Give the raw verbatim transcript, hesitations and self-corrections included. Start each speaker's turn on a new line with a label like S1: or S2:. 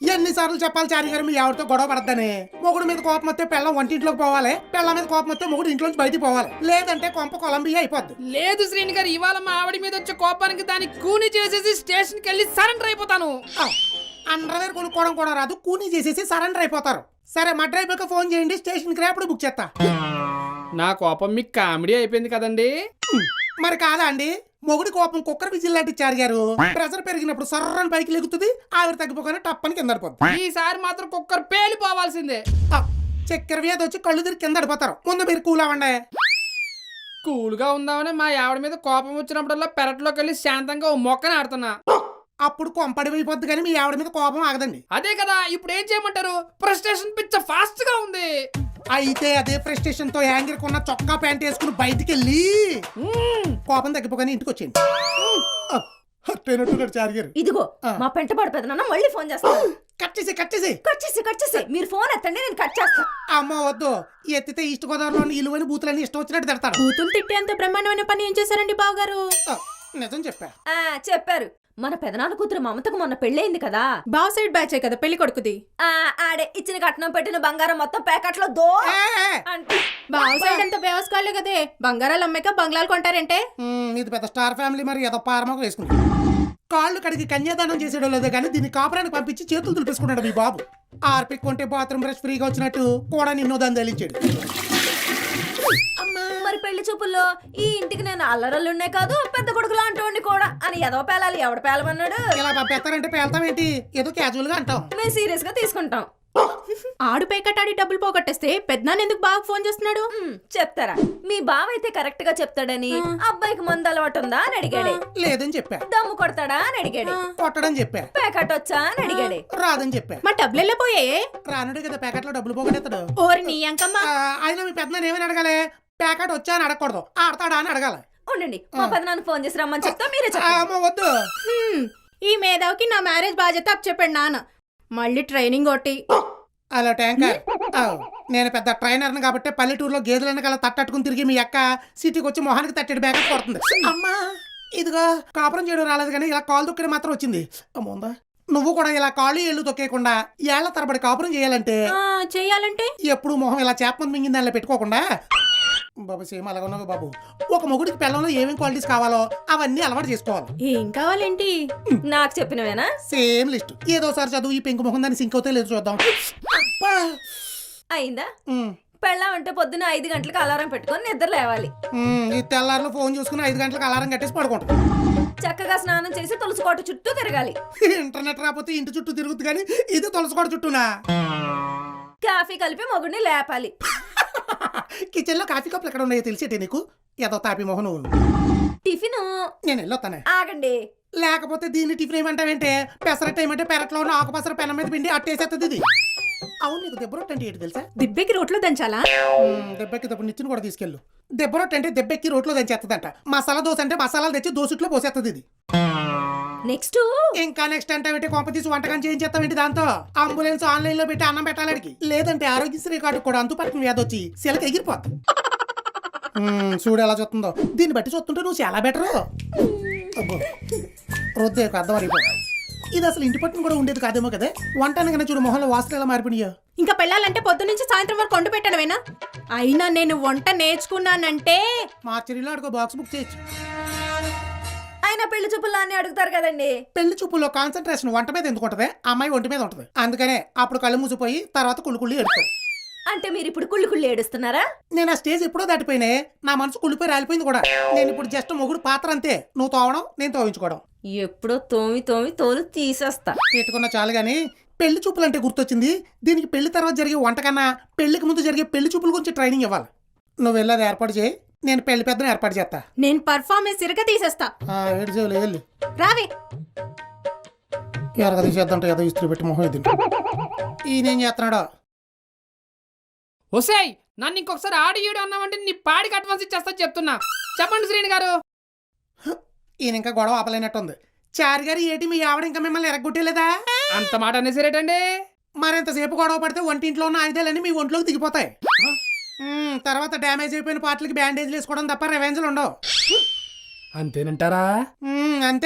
S1: ఎన్నిసార్లు చెప్పాలి చారి గారు మీ ఆవిడతో గొడవ పడద్దని? మొగుడు మీద కోపం వస్తే పెళ్ళం వంటింట్లోకి పోవాలి, పెళ్ళం మీద కోపం వస్తే మొగుడు ఇంట్లోంచి బయటికి పోవాలి, లేదంటే కొంప కొలంబియా అయిపోద్ది.
S2: లేదు శ్రీని గారు, ఇవాళ మా ఆవిడ మీద వచ్చే కోపానికి దాన్ని కూని చేసేసి స్టేషన్కి వెళ్ళి సరెండర్ అయిపోతాను.
S1: అండర్వేర్ కొనుక్కోవడం కూడా రాదు, కూనీ చేసేసి సరెండర్ అయిపోతారు. సరే మా డ్రైవర్కి ఫోన్ చేయండి, స్టేషన్కి రేపటి బుక్ చేస్తా.
S2: నా కోపం మీకు కామెడీ అయిపోయింది కదండి.
S1: మరి కాదా అండి? మొగుడి కోపం కుక్కర్ విజిల్ లాంటి చారి గారు. ప్రెషర్ పెరిగినప్పుడు సర్రని పైకి లెగుతుంది, ఆవిడ తగ్గిపోగానే టప్పని కింద పడిపోద్ది.
S2: ఈసారి మాత్రం కుక్కర్ పేలిపోవాల్సిందే.
S1: చక్కెర వ్యాధి వచ్చి కళ్ళు తిరిగి కింద పడిపోతారు. ముందు మీరు కూల్ అవ్వండి.
S2: కూల్గా ఉందామని మా ఆవిడ మీద కోపం వచ్చినప్పుడల్లా పెరట్లోకి వెళ్ళి శాంతంగా ఓ మొక్కని ఆడుతున్నా.
S1: అప్పుడు కొంపడిపోయిపోద్ది కానీ మీ ఆవిడ మీద కోపం ఆగదండి.
S2: అదే కదా, ఇప్పుడు ఏం చేయమంటారు? ఫ్రస్ట్రేషన్ పిచ్చ ఫాస్ట్ గా ఉంది.
S1: అయితే అదే ఫ్రస్ట్రేషన్ తో యాంగిర్ కొన్న చొక్కా ప్యాంట్ వేసుకుని బయటికి వెళ్ళి కోపం తగ్గిపోగానే ఇంటికి వచ్చేయండి. చారిగారు
S3: ఇదిగో మా పెంట పడిపోతున్నా, మళ్ళీ ఫోన్ చేస్తాను.
S1: కట్ చేసి కట్ చేసి
S3: కట్ చేసి కట్ చేసి మీరు ఫోన్ ఎత్తండి, నేను కట్ చేస్తాను.
S1: అమ్మ వద్దు, ఎత్తితే ఈస్ట్ గోదావరిలోని ఇలువైన బూతులన్నీ ఇష్టం వచ్చినట్టు తిడతారు.
S4: బూతులు తిట్టేంత బ్రహ్మాండమైన పని ఏం చేశారండి బావగారు?
S1: నిజం చెప్పా.
S3: ఆ చెప్పారు. మన పెదనాన్న కూతురు మమతకు మొన్న పెళ్ళయింది కదా,
S4: బావ సైడ్ బ్యాచే కదా పెళ్లి కొడుకుది.
S3: ఆ ఆడే ఇచ్చిన కట్నం పెట్టిన బంగారం మొత్తం ప్యాకెట్ లో దో అంటే
S4: బావ సైడ్ అంతా వ్యవస్థలే కదే, బంగారాలు అమ్మాక బంగ్లాలు కొంటారంటే.
S1: ఇది పెద్ద స్టార్ ఫ్యామిలీ, మరి ఏదో పారమోగ వేసుకుంటారు. కాళ్ళు కడిగి కన్యాదానం చేసేయడం లేదే కానీ దీన్ని కాపురానికి పంపించి చేతులు తులిపేసుకున్నాడు మీ బాబు. ఆర్పిక్ కొంటే బాత్రూమ్ బ్రష్ ఫ్రీగా వచ్చినట్టు కూడా నిన్నో దాన్ని తెలిచాడు.
S3: మరి పెళ్లి చూపుల్లో ఈ ఇంటికి నేను అల్లరల్లున్నే కాదు పెద్ద కొడుకులు అంటోండి కూడా అని ఏదో పేలాలి. ఎవడ పేలమన్నాడు?
S1: ఇలా పంపేస్తారంటే పేల్తాం ఏంటి, ఏదో క్యాజువల్ గా అంటాం.
S3: మేము సీరియస్ గా తీసుకుంటాం.
S4: ఆడు పేకటాడి డబ్బులు పోగొట్టేస్తే పెద్దనాన్న ఎందుకు బాగా ఫోన్ చేస్తున్నాడు?
S3: చెప్తారా? మీ బావ అయితే కరెక్ట్ గా చెప్తాడని. అబ్బాయికి మందు అలవాటు ఉందా అని అడిగాడే.
S1: లేదని చెప్పా.
S3: దమ్ము కొడతాడా అని అడిగాడే.
S1: కొట్టడం చెప్పా.
S3: ప్యాకెట్ వచ్చా అని అడిగాడే.
S1: రాదని చెప్పా.
S4: మా డబ్బులు వెళ్ళిపోయాయే.
S1: రానుడే కదా ప్యాకెట్ లో డబ్బులు పోగొట్టేస్తాడు.
S4: ఓరి నీ అంకమ్మ.
S1: ఆయన మీ పెద్దనాన్న ఏమని అడగాలి? ప్యాకెట్ వచ్చా అని అడగకూడదు, ఆడతాడా అని అడగాలి.
S3: ఉండండి, మా పెదనాన్న ఫోన్ చేసి రమ్మని చెప్తా, మీరే చెప్పండి.
S1: వద్దు.
S4: ఈ మేధావికి నా మ్యారేజ్ బాధ్యత అప్ చెప్పాడు నాన్న. మళ్ళీ ట్రైనింగ్ ఒకటి.
S1: హలో ట్యాంకర్, నేను పెద్ద ట్రైనర్ని కాబట్టి పల్లెటూరులో గేదెలన్న కల తట్టట్టుకుని తిరిగి మీ అక్క సిటీకి వచ్చి మొహానికి తట్టెడు బ్యాకప్ కొడుతుంది. అమ్మా ఇదిగో కాపురం చేయడం రాలేదు కానీ ఇలా కాలు తొక్కడం మాత్రం వచ్చింది. అమ్మోందా, నువ్వు కూడా ఇలా కాళ్ళు ఏళ్ళు తొక్కేయకుండా ఏళ్ల తరబడి కాపురం చేయాలంటే
S4: చేయాలంటే
S1: ఎప్పుడు మొహం ఇలా చేపమంది మింగింది దానిలో పెట్టుకోకుండా, బాబు సేమ్ అలాగ ఉన్నావు బాబు, ఒక మొగుడికి పిల్లల్లో ఏమేమి క్వాలిటీస్ కావాలో అవన్నీ అలవాటు చేసుకోవాలి.
S4: ఏం కావాలేంటి?
S3: నాకు చెప్పినవేనా?
S1: Same list. ఏదోసారి చదువు ఈ పెంకు మొహం దాన్ని సింక్ అవుతే లేదు చూద్దాం.
S3: అయిందా? పెళ్ళాం అంటే పొద్దున్న ఐదు గంటలకు అలారం పెట్టుకొని నిద్ర లేవాలి.
S1: ఈ తెల్లారులో ఫోన్ చూసుకుని ఐదు గంటలకు అలారం కట్టేసి పడుకుంటాం.
S3: చక్కగా స్నానం చేసి తులసికోట చుట్టూ తిరగాలి.
S1: ఇంటర్నెట్ రాకపోతే ఇంటి చుట్టూ తిరుగుతుంది కానీ ఇది తులసికోట చుట్టూనా.
S3: కాఫీ కలిపి మొగుడిని లేపాలి.
S1: కిచెన్ లో కాఫీ కప్పులు ఎక్కడ ఉన్నాయో తెలిసేటే నీకు? ఏదో తాపి మొహం నువ్వు.
S3: టిఫిన్
S1: నేను వెళ్ళొస్తానే.
S3: ఆగండి.
S1: లేకపోతే దీన్ని టిఫిన్ ఏమంటావేంటే? పెసరట్ ఏమంటే పెరట్లో ఉన్న ఆకుపసర పెనం మీద పిండి అట్టేసేస్తుంది ఇది. అవును, నీకు దెబ్బ రొట్టె అంటే ఏంటి తెలుసా?
S4: దిబ్బెక్కి రోట్లో దంచాలా?
S1: దెబ్బకి దెబ్బ నిచ్చిన కూడా తీసుకెళ్ళు. దెబ్బ రొట్టె అంటే దెబ్బెక్కి రోట్లో దంచేస్తుందంట. మసాలా దోశ అంటే మసాలాలు తెచ్చి దోశట్లో పోసేస్తుంది ఇది.
S3: నెక్స్ట్
S1: ఇంకా నెక్స్ట్ అంటే కొంప తీసి వంటకం చేయించేస్తామేంటి దాంతో? అంబులెన్స్ ఆన్లైన్ లో పెట్టి అన్నం పెట్టాలడికి, లేదంటే ఆరోగ్యశ్రీ కార్డు కూడా అంతుపట్టిన వ్యాధి వచ్చి శిలకి ఎగిరిపోతుంది. చూడు ఎలా చూస్తుందో, దీన్ని బట్టి చూస్తుంటే నువ్వు చాలా బెటర్. రోజు అర్థం అయిపో. ఇది అసలు ఇంటి పట్టును కూడా ఉండేది కాదేమో కదా. వంట అనగానే చూడు మొహంలో వాసన ఎలా మారిపోయా.
S4: ఇంకా పెళ్ళాలంటే పొద్దు నుంచి సాయంత్రం వరకు వండు పెట్టడమేనా? అయినా నేను వంట నేర్చుకున్నానంటే
S1: మార్చరీలో అడుగు బాక్స్ బుక్ చేయొచ్చు.
S3: ఆయన పెళ్లి చూపుల్లో అన్ని అడుగుతారు కదండి.
S1: పెళ్లి చూపుల్లో కాన్సన్ట్రేషన్ వంట మీద ఎందుకు ఉంటది? అమ్మాయి ఒంటి మీద ఉంటది. అందుకనే అప్పుడు కళ్ళు మూసిపోయి తర్వాత కుళ్ళు కుళ్ళి ఎడుతావు.
S3: అంటే మీరు ఇప్పుడు కుళ్ళి కుళ్ళి ఏడుస్తున్నారా?
S1: నేను ఆ స్టేజ్ ఎప్పుడో దాటిపోయినా, నా మనసు కుళ్ళిపోయి రాలిపోయింది కూడా. నేను ఇప్పుడు జస్ట్ మొగుడు పాత్ర అంతే. నువ్వు తోవడం, నేను తోవించుకోవడం.
S3: ఎప్పుడో తోమి తోమి తోలు తీసేస్తా.
S1: పెట్టుకున్న చాలు గానీ పెళ్లి చూపులు అంటే గుర్తొచ్చింది. దీనికి పెళ్లి తర్వాత జరిగే వంట కన్నా పెళ్లికి ముందు జరిగే పెళ్లి చూపుల గురించి ట్రైనింగ్ ఇవ్వాలి. నువ్వు వెళ్ళేది ఏర్పాటు చేయి, నేను పెళ్లి పెద్దను ఏర్పాటు చేస్తా.
S4: నేను పర్ఫార్మెన్స్ ఇరగ తీసేస్తా.
S1: ఏడు సేవలు వెళ్ళి
S4: రావే.
S1: ఎరగ తీసేద్దంట ఏదో ఇస్త్రీ పెట్టి మొహం ఇది. ఈయనేం చేస్తున్నాడో.
S2: ఒసేయ్, నన్ను ఇంకొకసారి ఆడి ఈడు అన్నామంటే నీ పాడికి అడ్వాన్స్ ఇచ్చేస్తా చెప్తున్నా. చెప్పండి శ్రీని గారు.
S1: ఈయన ఇంకా గొడవ ఆపలేనట్టుంది. చారి గారు ఏటి మీ ఆవిడ ఇంకా మిమ్మల్ని ఎరగొట్టేలేదా?
S2: అంత మాట అనేసరేటండి.
S1: మరింతసేపు గొడవ పడితే వంటింట్లో ఉన్న ఆయుధాలన్నీ మీ ఒంట్లోకి దిగిపోతాయి. తర్వాత డ్యామేజ్ అయిపోయిన పార్ట్లకి బ్యాండేజ్లు వేసుకోవడం తప్ప రెవెంజ్లు ఉండవు.
S2: అంతేనంటారా?
S1: అంతే.